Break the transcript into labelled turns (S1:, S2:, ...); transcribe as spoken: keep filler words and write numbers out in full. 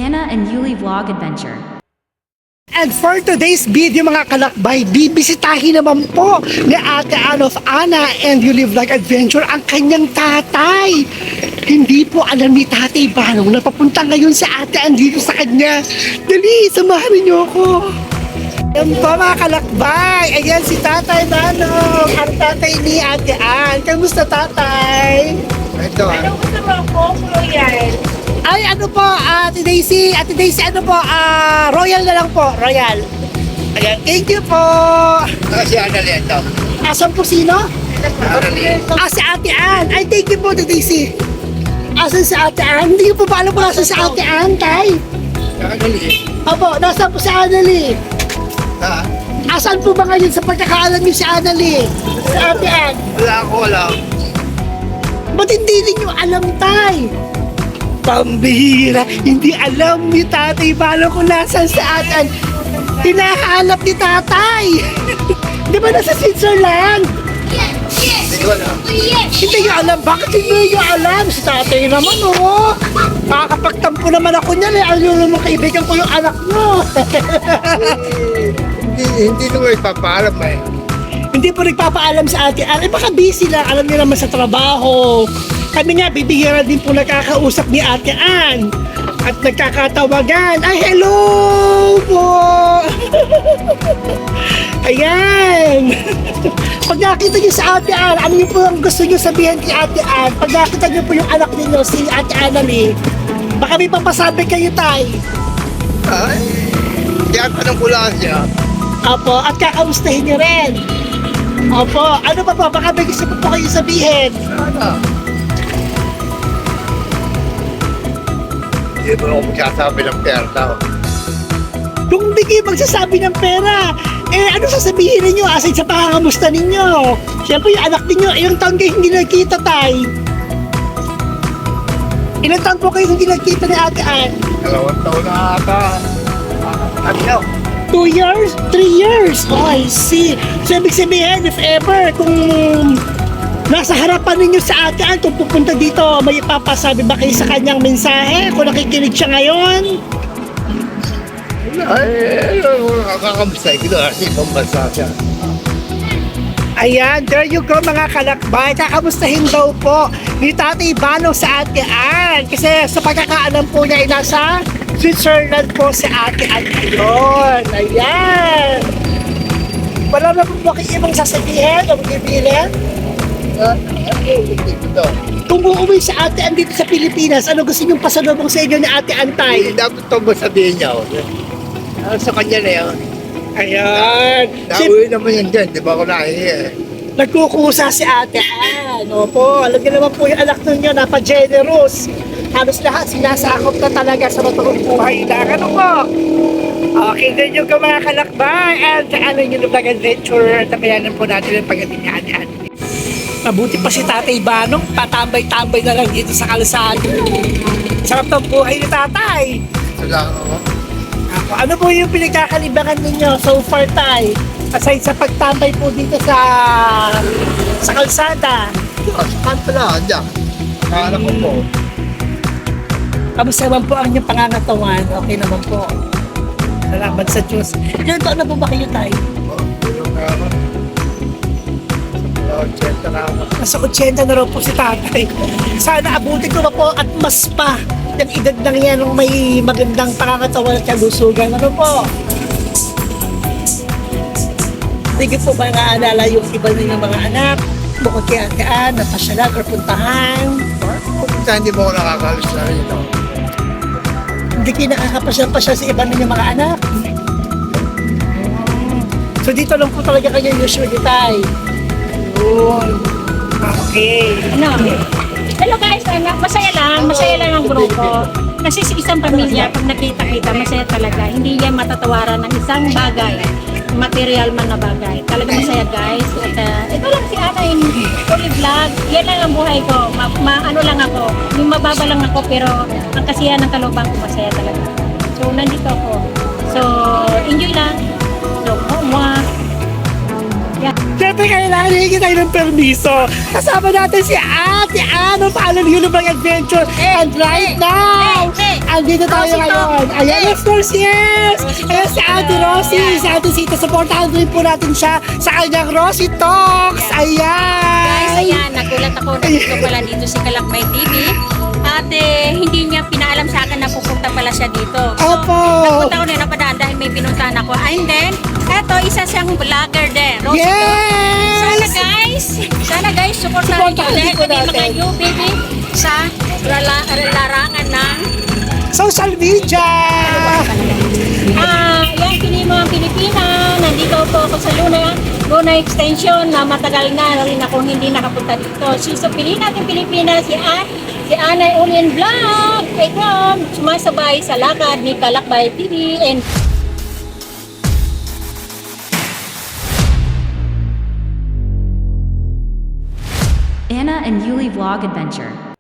S1: Hannah and Yuli Vlog Adventure.
S2: And for today's video mga kalakbay, bibisitahin naman po ni Ate Ann of Anna and Yuli Vlog Adventure ang kanyang tatay. Hindi po alam ni Tatay Banong na papunta ngayon sa Ate Ann dito sa kanya. Dali, samahan niyo ako. Yan po mga kalakbay. Ayan si Tatay Banong, ang tatay ni Ate Ann. Kamusta tatay?
S3: Ito ah.
S4: Ano gusto mo po, Royal?
S2: Ay, ano po, Ate Daisy, Ate Daisy, ano po, ah, Royal na lang po, Royal. Ayan, thank you po.
S3: Ah, si Annalyn ito.
S2: Asan po sino?
S3: Annalyn.
S2: Ah, si Ate Ann. Ay, thank you po, Ate Daisy. Asan si Ate Ann? Hindi ko po pa alam kung nasa si Ate Ann, tay.
S3: Si Annalyn.
S2: Opo, nasa po si Annalyn.
S3: Ha?
S2: Asan po ba ngayon sa pagkakaalam niyo si Annalyn? Si Ate Ann.
S3: Wala ako alam.
S2: Ba't hindi ninyo alam, tay? Pambihira, hindi alam ni Tatay Balo kung nasan si Ate Ann. Hinahanap ni Tatay. Di ba nasa Switzerland?
S3: Hindi ko alam.
S2: Hindi nyo alam. Bakit hindi nyo alam? Si Tatay naman, oh. Makakapagtampo naman ako niyan, eh. Ayaw naman kaibigan ko yung anak mo.
S3: Hindi, hindi naman ipapaalam eh.
S2: Hindi po nagpapaalam sa Ate Ann. Eh baka busy lang. Alam niyo naman sa trabaho. Kami nga, bibihira din po nakakausap ni Ate Ann. At nagkakatawagan. Ay, hello po! Ayan! Pag nakita niyo sa Ate Ann, ano niyo po ang gusto niyo sabihin kay Ate Ann? Pag nakita niyo po yung anak niyo, si Ate Annalyn, baka may papasabi kayo, tay.
S3: Ay, kaya tanong ko lang siya.
S2: Opo, at kakamustahin niyo rin. Opo, ano pa po? Baka may gusto po po kayo sabihin.
S3: Ano? Hindi mo ako magsasabi ng perta.
S2: Kung hindi kayo magsasabi ng pera, eh ano sasabihin ninyo aside sa pangangamusta ninyo? Siyempre yung anak ninyo, ilang taon kayo hindi nagkita, tay? Ilang taon po kayo hindi nagkita ni Ate Ann?
S3: Dalawang taon na ata. Ah, ano?
S2: Two years? Three years? Oh, I see. So, ibig sabihin, if ever, kung nasa harapan ninyo sa Ate Ann, kung pupunta dito, may ipapasabi ba kayo sa kanyang mensahe? Kung nakikinig siya ngayon?
S3: Ay, nakakamusta ko na kasi ibang bansa siya.
S2: Ayan, there you go mga kalakbay. Kakamustahin daw po ni Tatay Banong sa Ate Ann. Kasi sa pagkakaalam po niya ay nasa Switzerland po si Ate Ann ngayon. Ayan. Wala na po ba kayo ibang sasabihin o magbibilin?
S3: Ah, ano? Ito.
S2: Kung uuwi sa Ate Ann dito sa Pilipinas, ano gusto niyong pasalubong sa inyo ni Ate Ann,
S3: Ay,
S2: tay?
S3: dapat ito ba sabihin niya? oh. Ah, sa kanya na yun.
S2: Ayan. Si,
S3: Nauwi naman yun dyan, di ba ako nahihiya eh.
S2: nagkukusa si Ate Ann. Opo, alam niyo naman po yung anak ninyo, napa-generous. Halos lahat sinasakop na talaga sa matuong buhay na. Ano po? Okay, then yung mga kalakbay and ano yung vlog adventure. Tabayanan po natin ang pagdating ni Ate Ann. Mabuti pa si Tatay Banong, patambay-tambay na lang dito sa kalsada. Sarap ng buhay ni Tatay.
S3: Wala ako.
S2: Ako, ano po yung pinagkakalibangan ninyo so far, tay? Aside sa pagtambay po dito sa sa kalsada.
S3: Saan pala? Diyan. Kala ko po.
S2: Kamusta naman po ang inyong pangangatawan? Okay naman po. Salamat sa Diyos. Ilan taon na po ba kayo, tay?
S3: Oh, tulong na ako. Sa ochenta na ako.
S2: Nasa eighty na raw po si tatay. Sana abutin ko na po at mas pa yung edad ng yan nung may magandang pangangatawan at kalusugan. Ano po? Hindi po ba naalala yung iba ninyong mga anak? Bukod kay Ate Ann, napasyalan or puntahan?
S3: Pupunta hindi mo ako nakakalis na rin ito.
S2: Hindi kayo nakakapasyal-pasyal sa iba ninyong mga anak? So dito lang po talaga kayo usually, tay. Yun. Okay.
S4: Ano? Hello guys, ano? Masaya lang, masaya lang ang grupo. Kasi sa isang pamilya, pag nakita-kita, masaya talaga. Hindi yan matatawaran ng isang bagay. Material man na bagay. Talaga masaya guys. At uh, ito lang si Ana in Yuli Vlog. Yan lang ang buhay ko. Ma, ma- ano lang ako. Yung mababa lang ako pero ang kasiyahan ng kalubang ko masaya talaga. So nandito ako. So enjoy lang. So mwah. Yeah.
S2: Siyempre kailangan hingin tayo ng permiso. Kasama natin si Ate Ann of Anna Yuli Vlog Adventure. And right now,
S4: Hey, hey,
S2: andito tayo
S4: Rosie
S2: ngayon.
S4: Talk.
S2: Ayan,
S4: Eh.
S2: of course, yes!
S4: Rosie
S2: Ayan
S4: Talk.
S2: si Ate Rosie,
S4: Yeah.
S2: si Ate Sita. Supportahan rin po natin siya sa kanyang Rosie Talks. Ayan!
S5: Guys, ayan, nagulat ako na dito pala dito si Kalakbay T V. At eh, hindi niya pinaalam sa akin na pupunta pala siya dito. So,
S2: Opo.
S5: napunta ko na napadaan dahil may pinuntahan ako. And then, eto, isa siyang vlogger din. Rosie Talk. Sana
S2: Yes!
S5: guys, sana guys, supportahan niyo
S2: Supportahan
S5: dahil
S2: po
S5: kami mga
S2: natin.
S5: new baby sa lala- larangan ng
S2: Social media!
S4: Ah, yan, kini mga Pilipina. Nandito po ako sa Luna. Luna Extension na matagal na rin akong hindi nakapunta dito. Si so, piliin natin Pilipina, si An, si Anay Ulien Vlog. Ikaw, sumasabay sa lakad ni Kalakbay T V and
S1: Anna and Yuli Vlog Adventure.